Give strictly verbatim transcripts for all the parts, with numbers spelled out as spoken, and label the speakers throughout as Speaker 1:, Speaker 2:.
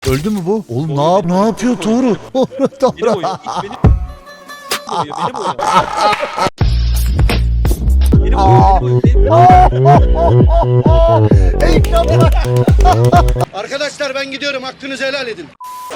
Speaker 1: Öldü mü bu? Oğlum ne yap ne yapıyor Toru?
Speaker 2: Beni boyuyor. Beni boyuyor. Beni boyuyor. Beni boyuyor.
Speaker 3: Arkadaşlar ben gidiyorum. Hakkınızı helal edin.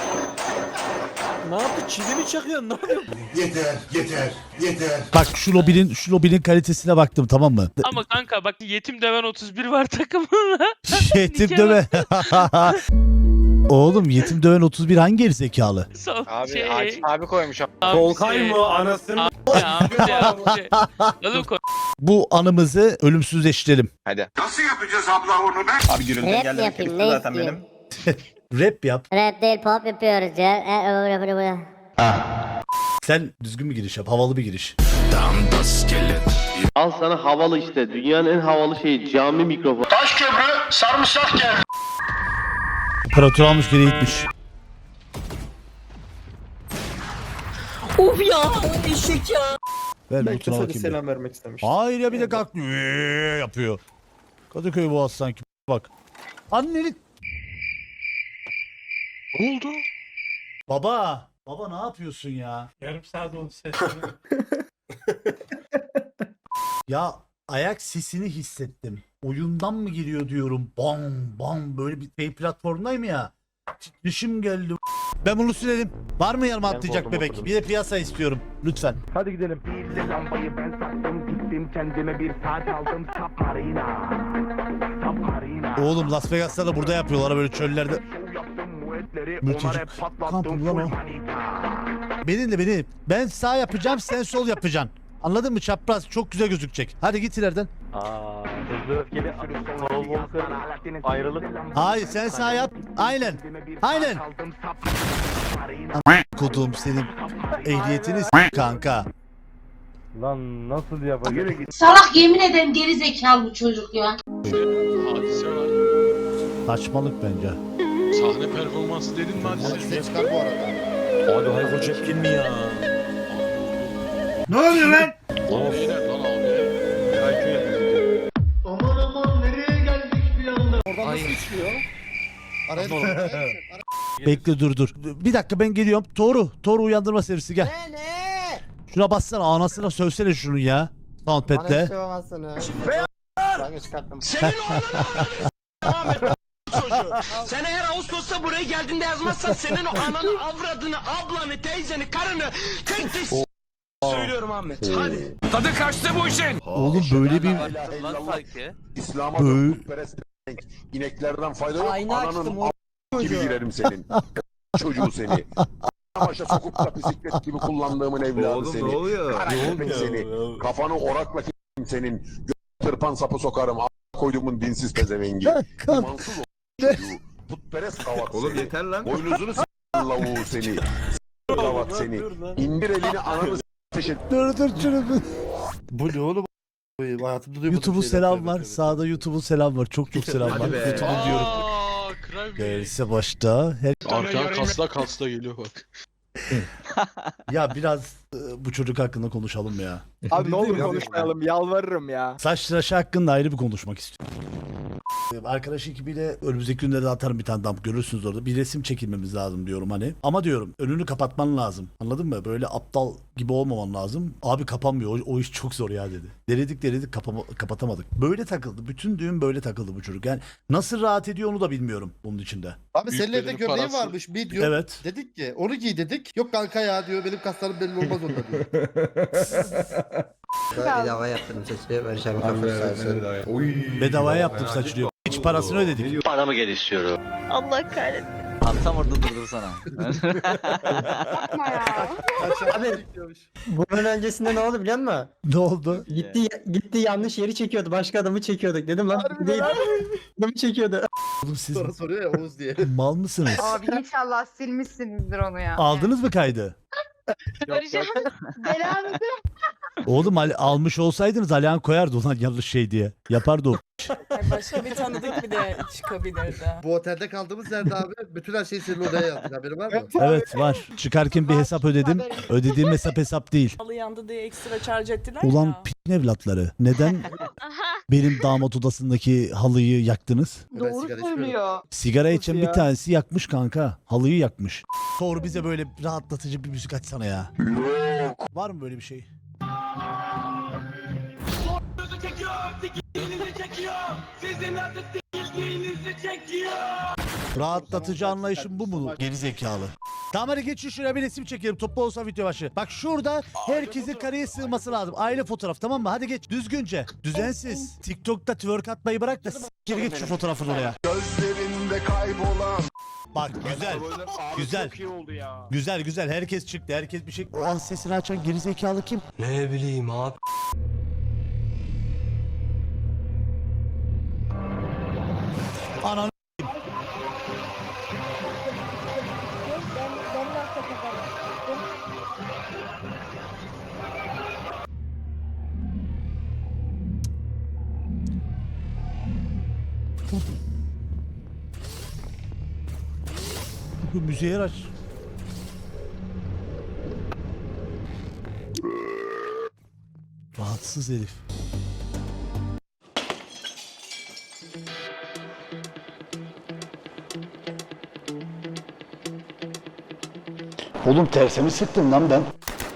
Speaker 2: Ne yaptı? Çivi mi çakıyorsun? Ne yapıyorsun?
Speaker 4: Yeter, yeter, yeter.
Speaker 1: Bak şu lobinin şu lobinin kalitesine baktım, tamam mı?
Speaker 5: Ama kanka bak yetim döven otuz bir var takımında.
Speaker 1: Yetim
Speaker 5: Nikah-
Speaker 1: döve. Oğlum yetim döven otuz bir hangi geri zekalı?
Speaker 5: Son
Speaker 6: Abi
Speaker 5: şey.
Speaker 6: Akif abi koymuş.
Speaker 5: Abi
Speaker 2: Volkan
Speaker 5: şey-
Speaker 2: mı? Anasını.
Speaker 5: Abi abi abi. Oğlum koy.
Speaker 1: Bu anımızı ölümsüzleştirelim.
Speaker 6: Hadi.
Speaker 4: Nasıl yapacağız abla onu be?
Speaker 7: Abi gürültü
Speaker 8: Rap
Speaker 7: geldi.
Speaker 8: yapayım,
Speaker 7: Bitti
Speaker 8: ne
Speaker 7: zaten benim.
Speaker 8: isteyeyim?
Speaker 1: Rap yap.
Speaker 8: Rap değil pop yapıyoruz ya. E, öyle böyle böyle.
Speaker 1: Sen düzgün bir giriş yap. Havalı bir giriş.
Speaker 9: Al sana havalı işte. Dünyanın en havalı şeyi cami mikrofon.
Speaker 3: Taş köprü sarımsak geldi.
Speaker 1: Operatör almış geri gitmiş.
Speaker 2: Of ya. Eşek ya.
Speaker 1: Ver
Speaker 2: Belki
Speaker 1: lütfen
Speaker 2: sadece
Speaker 1: bakayım.
Speaker 2: selam vermek istemiş.
Speaker 1: Hayır ya, bir de kalkmıyor. Eee yapıyor. Kadıköy Boğaz sanki. Bak. Anneni.
Speaker 5: Ne oldu?
Speaker 1: Baba. Baba ne yapıyorsun ya?
Speaker 5: Yarım saat oldu ses.
Speaker 1: Ya ayak sesini hissettim. Oyundan mı geliyor diyorum. Bam bam böyle bir şey platformdayım ya. Titreşim geldi. Ben bunu sürelim. Var mı yanıma
Speaker 2: Ben
Speaker 1: atlayacak
Speaker 2: korktum,
Speaker 1: bebek?
Speaker 2: oturdum.
Speaker 1: Bir de piyasa istiyorum. Lütfen.
Speaker 2: Hadi gidelim.
Speaker 10: Lambayı ben sattım gittim kendime bir saat aldım Submarina Submarina
Speaker 1: Oğlum Las Vegas'ta da burada yapıyorlar böyle çöllerde.
Speaker 10: Show yaptım muetleri
Speaker 1: Müthiş.
Speaker 10: onlara patlattım
Speaker 1: Kampım lan
Speaker 10: full
Speaker 1: o.
Speaker 10: manita.
Speaker 1: Beni de beni. Ben sağ yapacağım, sen sol yapacaksın. Anladın mı? Çapraz çok güzel gözükecek. Hadi git ileriden.
Speaker 2: Aaa. Hızlı öfkeli. Paul Walker. Ayrılık.
Speaker 1: Hayır sen sağ yap. Aynen. Aynen. Kodum senin ehliyetini s- kanka.
Speaker 2: Lan nasıl yapacak?
Speaker 11: Salak yemin ederim geri zekalı bu çocuk ya.
Speaker 5: Hadise var.
Speaker 1: Saçmalık bence.
Speaker 5: Sahne performansı dedin mi hadise?
Speaker 4: Size çıkar bu arada.
Speaker 2: Abi Hayko Cepkin mi ya?
Speaker 4: Ne oluyor lan?
Speaker 5: Lan beyler lan abi.
Speaker 3: Aman aman nereye geldik bir anda?
Speaker 4: Oradan nasıl içiliyor? Araya düşün.
Speaker 1: Bekle dur dur. Bir dakika ben geliyorum. Toru. Toru uyandırma servisi gel.
Speaker 8: Ne ne?
Speaker 1: Şuna bassana, anasına sövsene şunu ya. Soundpad'le.
Speaker 4: Ben de çıkarttım.
Speaker 3: Senin Sen eğer Ağustos'ta buraya geldiğinde yazmazsan senin o ananı, avradını, ablanı, teyzeni, karını tek tek s- söylüyorum Ahmet. Hadi. Tadı kaçtı bu işin.
Speaker 1: Oğlum böyle bir
Speaker 4: İslam'a
Speaker 1: Böyle-
Speaker 4: putperest ineklerden fayda yok.
Speaker 8: Ayna açtım,
Speaker 4: Ananın
Speaker 8: o
Speaker 4: a- gibi girerim senin. Çocuğu seni. Başa sokup da bisiklet gibi kullandığımın evladı seni. Kara köpek seni. Kafanı orakla k***im senin. Gö- tırpan sapı sokarım. A- koyduğumun dinsiz pezevengi. İmansız o çocuğu. Putperest kavak
Speaker 7: Oğlum
Speaker 4: seni.
Speaker 7: yeter lan.
Speaker 4: Boynuzunu s*** lavuğu seni. S*** kavak seni. İndir elini ananı s*** ateş et.
Speaker 1: dur dur şunu.
Speaker 2: Bu ne oğlum? Hayatımda duymadım.
Speaker 1: YouTube'un selam var. Sağda YouTube'un selam var. Çok çok selam var.
Speaker 7: Hadi be.
Speaker 1: YouTube'un diyorum.
Speaker 5: Aaa kral bey.
Speaker 1: Gerisi başta. Her...
Speaker 5: Arkadan kasla kasla geliyor bak.
Speaker 1: Ya biraz e, bu çocuk hakkında konuşalım ya.
Speaker 6: Abi ne olur konuşmayalım yalvarırım ya.
Speaker 1: Saç tıraşı hakkında ayrı bir konuşmak istiyorum. Ee, Arkadaş ekibiyle önümüzdeki günlerde atarım bir tane dump, görürsünüz orada. Bir resim çekilmemiz lazım diyorum hani. Ama diyorum önünü kapatman lazım. Anladın mı? Böyle aptal gibi olmaman lazım. Abi kapanmıyor. O, o iş çok zor ya dedi. Denedik denedik kapama- kapatamadık. Böyle takıldı. Bütün düğün böyle takıldı bu çocuk. Yani nasıl rahat ediyor onu da bilmiyorum bunun içinde.
Speaker 4: Abi senin evde
Speaker 5: Büyüklerin
Speaker 4: gömleğin
Speaker 5: parası.
Speaker 4: varmış bir diyor.
Speaker 1: Evet.
Speaker 4: Dedik ki onu giy dedik. Yok kanka ya diyor benim kaslarım belli olmaz onda diyor.
Speaker 8: Bedava yaptırdım saçı. Barış abi kafası.
Speaker 1: Bedavaya yaptım saç diyor. Hiç parasını ödedik.
Speaker 9: Paramı gel istiyorum.
Speaker 11: Allah kahretsin.
Speaker 6: Tam orada durdursana.
Speaker 11: Yapma ya.
Speaker 8: Abi bunun öncesinde ne oldu biliyor musun?
Speaker 1: Ne oldu?
Speaker 8: Gitti gitti yanlış yeri çekiyordu. Başka adamı çekiyordu. Dedim lan bu değil. Adamı çekiyordu.
Speaker 1: Oğlum siz
Speaker 4: Sonra soruyor ya Oğuz diye.
Speaker 1: mal mısınız?
Speaker 11: Abi inşallah silmişsinizdir onu ya.
Speaker 1: Aldınız mı kaydı?
Speaker 11: Barış abi belanı
Speaker 1: Oğlum al- almış olsaydınız Alihan koyardı ulan yanlış şey diye. Yapardı o.
Speaker 11: Başka bir tanıdık bir de çıkabilirdi.
Speaker 2: Bu otelde kaldığımız yerde abi bütün her şeyi senin odaya yazdık, haberin var mı?
Speaker 1: Evet var. Çıkarken bir hesap ödedim. Ödediğim hesap hesap değil.
Speaker 11: Halı yandı diye ekstra charge ettiler
Speaker 1: Ulan
Speaker 11: ya.
Speaker 1: p***in evlatları. Neden benim damat odasındaki halıyı yaktınız?
Speaker 2: Doğru söylüyor.
Speaker 1: Sigara içen
Speaker 8: ya?
Speaker 1: bir tanesi yakmış kanka. Halıyı yakmış. Thor bize böyle rahatlatıcı bir müzik açsana ya. Var mı böyle bir şey? Rahatlatıcı anlayışım bu mu? Geri zekalı. Tamam hadi geçin şuraya bir resim çekelim. Toplu olsa video başı. Bak şurada herkesin kareye sığması lazım. Aile fotoğraf tamam mı? Hadi geç. Düzgünce. Düzensiz. TikTok'ta twerk atmayı bırak da s**kir git şu fotoğrafını oraya.
Speaker 4: Gözlerinde kaybolan.
Speaker 1: Bak güzel. Güzel. Güzel güzel. Herkes çıktı. Herkes bir şey. O an sesini açan geri zekalı kim?
Speaker 3: Ne bileyim abi.
Speaker 1: Ananı bu müziği aç. Rahatsız herif. Oğlum tersimi sıktın lan ben.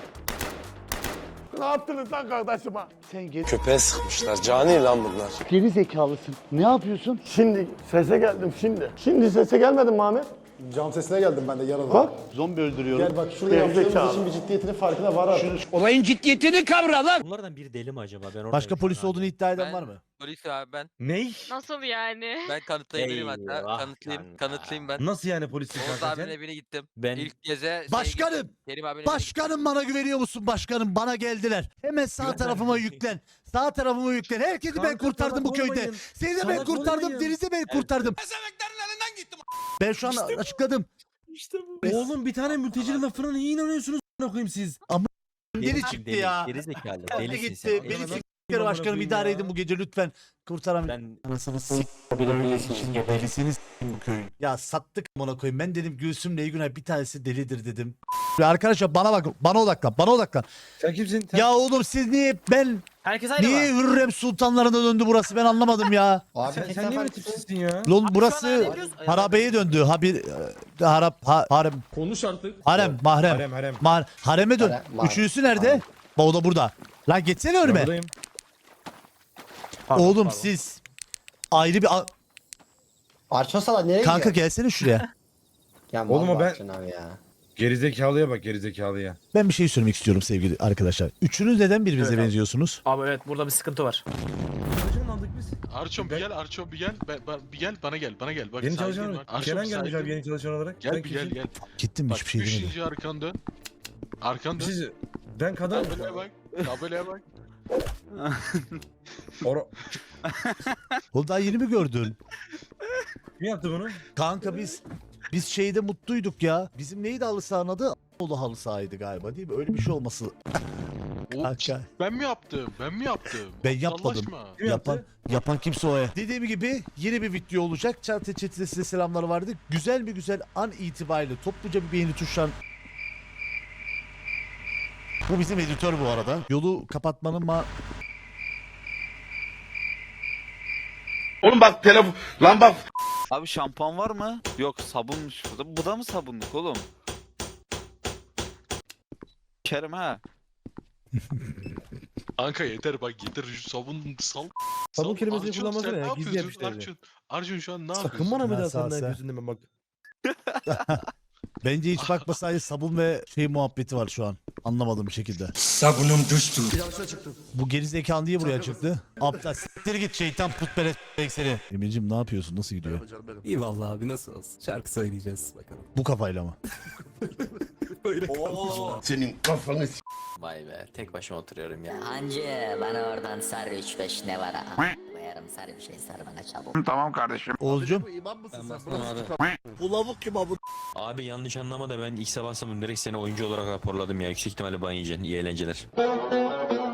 Speaker 2: Ne yaptınız lan kardeşime?
Speaker 1: Sen geri,
Speaker 3: Köpeğe sıkmışlar. Cani lan bunlar.
Speaker 1: geri zekalısın. Ne yapıyorsun?
Speaker 2: Şimdi sese geldim şimdi. Şimdi sese gelmedim mi Ahmet?
Speaker 7: Cam sesine geldim ben de yaralı.
Speaker 2: Bak.
Speaker 1: Zombi öldürüyorum.
Speaker 7: Gel bak şurada yaptığımız işin bir ciddiyetinin farkına var artık.
Speaker 3: Olayın ciddiyetini kavra lan.
Speaker 8: Bunlardan biri deli mi acaba? Ben
Speaker 1: Başka polis olduğunu iddia eden var mı?
Speaker 6: Polis abi ben.
Speaker 8: Ney?
Speaker 11: Nasıl yani?
Speaker 6: Ben kanıtlayabilirim hatta.
Speaker 8: Eyvah
Speaker 6: Kanıtlayayım.
Speaker 8: kanka.
Speaker 6: Kanıtlayayım ben.
Speaker 8: Nasıl yani polis
Speaker 6: Oğuz abinin evine gittim.
Speaker 8: Ben
Speaker 6: İlk geze şey
Speaker 1: Başkanım!
Speaker 6: gittim, Kerim abinin evine
Speaker 1: Başkanım bana güveniyor musun başkanım? Bana geldiler. Hemen sağ tarafıma yüklen. Sağ tarafıma yüklen. Herkesi ben
Speaker 8: Kanka,
Speaker 1: kurtardım
Speaker 8: salak
Speaker 1: bu köyde.
Speaker 8: olmayın.
Speaker 1: Seni de ben
Speaker 8: Salak
Speaker 1: kurtardım.
Speaker 8: olmayın.
Speaker 1: Deniz'i ben kurtardım. Ben şu an açıkladım.
Speaker 8: Oğlum bir tane mültecinin lafına niye inanıyorsunuz a**ına koyayım siz?
Speaker 1: Deli çıktı ya.
Speaker 8: Geri zekalı.
Speaker 1: Deli gitti. Beni s**kere başkanım idare edin bu gece lütfen. Kurtaramayın.
Speaker 8: Ben
Speaker 1: Anasını s*****Delisiniz bu köyün. Ya sattık amına koyayım. Ben dedim Gülsüm'le Günay bir tanesi delidir dedim. Ve arkadaşlar bana bak, bana odaklan, bana odaklan.
Speaker 8: Sen kimsin?
Speaker 1: Ya oğlum siz niye ben
Speaker 8: Herkes aynı
Speaker 1: niye Hürrem Sultanlarına döndü burası ben anlamadım ya.
Speaker 7: Abi
Speaker 8: Sen, sen niye böyle tipsizsin ya?
Speaker 1: Lan burası harabeye döndü. Ha bir e, harap ha, harem.
Speaker 5: Konuş artık.
Speaker 1: Harem, mahrem.
Speaker 8: Harem harem.
Speaker 1: Ma hareme dön.
Speaker 7: Harem, mahrem.
Speaker 1: Üçüncüsü nerede? Bak o da burada. Lan geçsene önüme.
Speaker 8: Buradayım.
Speaker 1: Oğlum siz ayrı bir a-
Speaker 7: Arçosala nereye
Speaker 1: kanka
Speaker 7: gidiyor?
Speaker 1: gelsene şuraya.
Speaker 7: Ya
Speaker 8: Oğlum o ben-
Speaker 7: Arçın abi ya.
Speaker 5: Gerizekalıya bak gerizekalıya.
Speaker 1: Ben bir şey söylemek istiyorum sevgili arkadaşlar. Üçünüz neden birbirinize benziyorsunuz?
Speaker 2: Abi evet burada bir sıkıntı var.
Speaker 8: Çalışan aldık biz.
Speaker 5: Arçon bir gel, Arçon bir gel. Ben, ben- bir gel, bana gel, bana gel. Bak,
Speaker 8: Yeni
Speaker 5: saygın
Speaker 8: çalışan
Speaker 5: var.
Speaker 8: olarak.
Speaker 5: Arçon,
Speaker 8: Kenan gelmiş
Speaker 5: saygın.
Speaker 8: abi yeni çalışan olarak.
Speaker 5: Gel
Speaker 8: Sen
Speaker 5: bir gel
Speaker 8: kimsin?
Speaker 5: gel.
Speaker 1: Gittim
Speaker 5: Bak
Speaker 1: hiçbir şey demedim.
Speaker 5: üçüncü arkan dön. Arkan dön.
Speaker 8: Siz, ben kadın.
Speaker 5: Tabelaya bak. Tabelaya bak.
Speaker 8: Ora...
Speaker 1: Oğlum daha yeni mi gördün?
Speaker 8: Kim yaptı bunu?
Speaker 1: Kanka biz biz şeyde mutluyduk ya. Bizim neydi halı sahanın adı? Oğlu halı sahaydı galiba değil mi? Öyle bir şey olması.
Speaker 5: O,
Speaker 1: Kanka.
Speaker 5: ben mi yaptım? Ben mi yaptım?
Speaker 1: Ben yapmadım.
Speaker 5: Sallaşma.
Speaker 8: Kim
Speaker 1: Yapan
Speaker 8: yaptı?
Speaker 1: yapan kimse o ya. Dediğim gibi yeni bir video olacak. Çatı chat'te size selamlar vardı. Güzel bir güzel an itibariyle topluca bir beğeni tuşlan. Bu bizim editör bu arada. Yolu kapatmanın ma...
Speaker 3: Oğlum bak telefon. Lan bak.
Speaker 6: Abi şampuan var mı? Yok sabunmuş burada. Bu da mı sabunluk oğlum? Kerim ha.
Speaker 5: Kanka yeter bak yeter şu sabun sal.
Speaker 8: Sabun
Speaker 5: Sal.
Speaker 8: kelimesini
Speaker 5: Arçon,
Speaker 8: kullanmasana
Speaker 5: sen
Speaker 8: ya,
Speaker 5: ne
Speaker 8: gizli
Speaker 5: yapıyorsun
Speaker 8: yapıştırdı.
Speaker 5: Arçon? Arçon şu an ne yapıyorsun?
Speaker 8: Sakın bana bir daha
Speaker 1: Ben sağ-
Speaker 8: senden
Speaker 1: sağ.
Speaker 8: gözünden bak.
Speaker 1: Bence hiç bakmasaydı sabun ve şey muhabbeti var şu an. Anlamadığım bir şekilde.
Speaker 3: Sabunum düştü.
Speaker 1: Bu gerizekalı niye buraya çıktı? Aptal siktir git şeytan putperest seni. Emir'cim ne yapıyorsun? Nasıl gidiyor?
Speaker 2: İyi vallahi abi nasıl olsun? Şarkı söyleyeceğiz bakalım.
Speaker 1: Bu kafayla mı?
Speaker 3: Senin kafanı s***.
Speaker 6: Vay be tek başıma oturuyorum ya.
Speaker 12: Hancı bana oradan sar üç beş ne var ha? Koyarım sar bir şey sar bana çabuk.
Speaker 3: Tamam kardeşim.
Speaker 1: Oğuzcum.
Speaker 2: İmam mısın sen?
Speaker 9: abi.
Speaker 1: Bu lavuk kim abi?
Speaker 9: Abi yanlış anlama da ben ilk sabah sabah direkt seni oyuncu olarak raporladım ya. Yüksek ihtimalle ban yiyeceksin. İyi eğlenceler.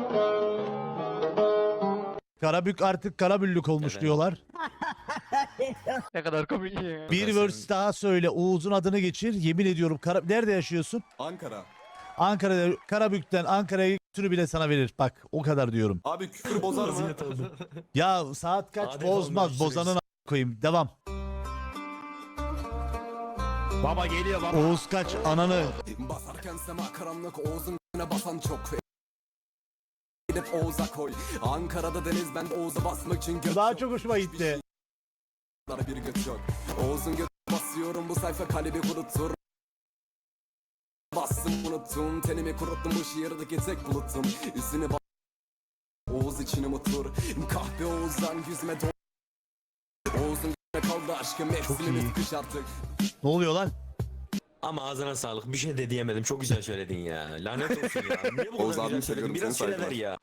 Speaker 1: Karabük artık Karabüllük olmuş
Speaker 6: Evet.
Speaker 1: diyorlar.
Speaker 2: Ne kadar komik ya.
Speaker 1: Bir verse daha söyle. Oğuz'un adını geçir. Yemin ediyorum. Kara... Nerede yaşıyorsun?
Speaker 10: Ankara.
Speaker 1: Ankara'da. Karabük'ten Ankara'ya götürü bile sana verir. Bak o kadar diyorum.
Speaker 10: Abi küfür bozar mı?
Speaker 1: Ya saat kaç?
Speaker 10: Hadi
Speaker 1: Bozmaz.
Speaker 10: oğlum,
Speaker 1: Bozanın a- koyayım. Devam.
Speaker 3: Baba geliyor baba.
Speaker 1: Oğuz kaç? Ananı.
Speaker 10: Basarken sema karanlık Oğuz'un g***ne basan çok. Gidip Oğuz'a koy. Ankara'da deniz ben Oğuz'a basmak için göt
Speaker 1: Daha
Speaker 10: yok.
Speaker 1: çok hoşuma gitti.
Speaker 10: Bir göt yok. Oğuz'un göt basıyorum bu sayfa kalbi kurutur. Bastım unuttum tenimi kuruttum bu şiirdeki tek bulutum. Üstüne bas. Oğuz için umutur. Kahpe Oğuz'dan yüzüme do. Oğuz'un g***ne kaldı aşkım mevsimimiz kış artık.
Speaker 1: Ne oluyor lan?
Speaker 3: Ama ağzına sağlık. Bir şey de diyemedim. Çok güzel söyledin ya. Lanet olsun ya. Niye bu kadar güzel söyledin? Biraz süre ver ya.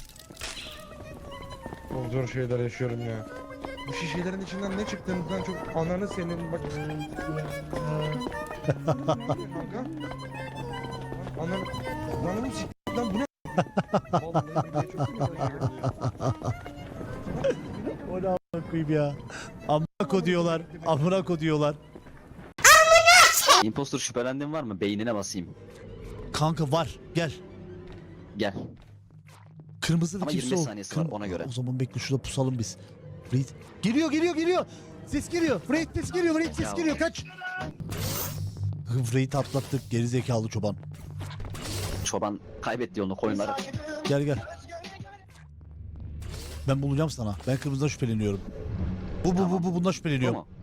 Speaker 10: Çok zor şeyler yaşıyorum ya. Bu şişelerin içinden ne çıktığından çok ananı senin bak. Kanka. Ananı ananı siktir lan bu ne? Vallahi billahi çok güzel ya.
Speaker 1: O ne a**ına koyayım ya. Amına ko diyorlar. Amına ko diyorlar.
Speaker 12: Impostor şüphelendiğin var mı? Beynine basayım.
Speaker 1: Kanka var. Gel.
Speaker 12: Gel.
Speaker 1: Kırmızı
Speaker 12: Ama
Speaker 1: kimse
Speaker 12: yirmi
Speaker 1: o.
Speaker 12: saniyesi var, ona göre.
Speaker 1: O zaman bekle şurada pusalım biz. Fred. Geliyor geliyor geliyor. Ses geliyor. Fred ses geliyor. Fred ses
Speaker 12: Ya.
Speaker 1: geliyor. Kaç. Fred'i atlattık. Geri zekalı çoban.
Speaker 12: Çoban kaybetti yolunu koyunları.
Speaker 1: Gel gel. Ben bulacağım sana. Ben kırmızıdan şüpheleniyorum. Bu bu bu bu bundan şüpheleniyorum.
Speaker 12: Tamam.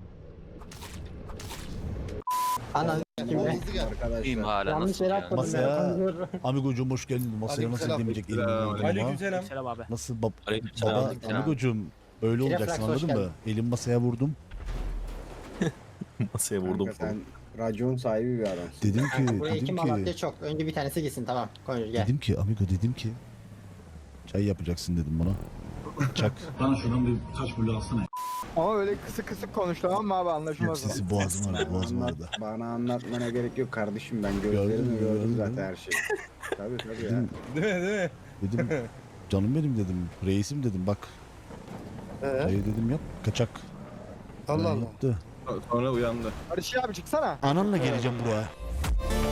Speaker 8: Ana
Speaker 6: İyiyim hala
Speaker 8: yanlış
Speaker 6: nasıl
Speaker 8: yere
Speaker 6: yani?
Speaker 8: atmadım
Speaker 1: Masaya-
Speaker 8: ya.
Speaker 1: Amigocuğum hoş geldin. Masaya nasıl demeyecek elim olmadı ama.
Speaker 2: Selam abi.
Speaker 1: Nasıl bab
Speaker 6: Aleykümselam.
Speaker 1: baba
Speaker 6: Aleykümselam.
Speaker 1: Amigocuğum böyle
Speaker 8: Refleks,
Speaker 1: olacaksın
Speaker 8: hoş
Speaker 1: anladın mı?
Speaker 8: geldin.
Speaker 1: Elim masaya vurdum.
Speaker 10: Masaya vurdum falan.
Speaker 7: Racon sahibi bir adam.
Speaker 1: Dedim ki
Speaker 8: Buraya iki
Speaker 1: dedim
Speaker 8: malatya
Speaker 1: ki
Speaker 8: çok. Önce bir tanesi gitsin tamam. Konuş gel.
Speaker 1: dedim ki Amigo dedim ki çay yapacaksın dedim bana. Çak.
Speaker 2: Ama öyle kısık kısık konuş tamam mı abi
Speaker 1: Yok
Speaker 2: anlaşılmaz.
Speaker 1: sesi boğazım vardı boğazım vardı.
Speaker 7: Bana anlatmana gerek yok kardeşim ben
Speaker 1: Gördün mü,
Speaker 7: gözlerimle
Speaker 1: gördün
Speaker 7: gördüm
Speaker 1: mü?
Speaker 7: zaten her şeyi. Tabii tabii ya.
Speaker 1: Dedim,
Speaker 10: Değil mi değil mi?
Speaker 1: dedim canım benim dedim reisim dedim bak. Çayı dedim yap kaçak. Allah Allah. Yaptı.
Speaker 10: Sonra uyandı.
Speaker 2: Barış abi çıksana.
Speaker 1: Ananla geleceğim buraya.